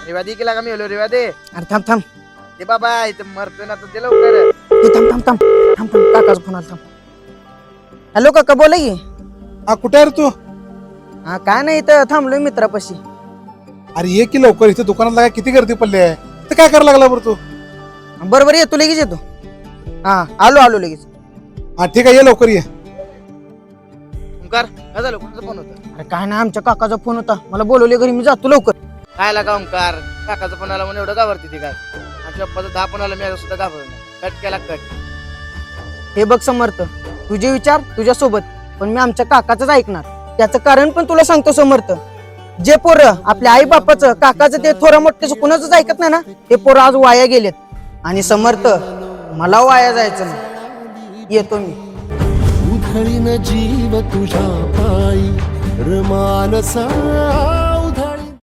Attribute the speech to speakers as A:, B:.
A: रेवा दे केला का मी हलो रेवा दे.
B: अरे थांब थांब
A: ते बाबा इथं मरतोय ना तर दे लवकर.
B: हे थांब थांब थांब थांब थांब काकाचा फोन आला थांब. हॅलो काका बोला की.
C: हा कुठे आहे रे तू?
B: हा काय नाही इथं थांबलोय मित्रापाशी.
C: अरे ये की लवकर, इथे दुकानात लागा किती गर्दी पडली आहे. इथं काय करायला लागला बरं तू?
B: बरोबर येतो लगेच येतो. हा आलो आलो लगेच.
C: हा ठीक आहे, ये लवकर ये.
A: ओंकार काय झालं कोणाचा फोन होता?
B: अरे काय नाही आमच्या काकाचा फोन होता, मला बोलवले घरी, मी जातो लवकर.
A: काय लागा ओंकार काकाचा फोन आला म्हणून एवढं घाबरते ती काय? माझ्या पप्पाचा 10 फोन आला मी सुद्धा घाबरलो. कट केला कट.
B: हे बघ समर्थ, तुझे विचार तुझ्यासोबत, पण मी आमच्या काकाचंच ऐकणार. त्याचं कारण पण तुला सांगतो समर्थ. जे पोरं आपल्या आई बापाचं काकाचं ते थोडं मोठं कुणाचंच ऐकत नाही ना, ते पोरं आज वाया गेलेत. आणि समर्थ मला वाया जायचं नाही, येतो मी.
D: उधळीन जीव तुझ्या पायी रमानसा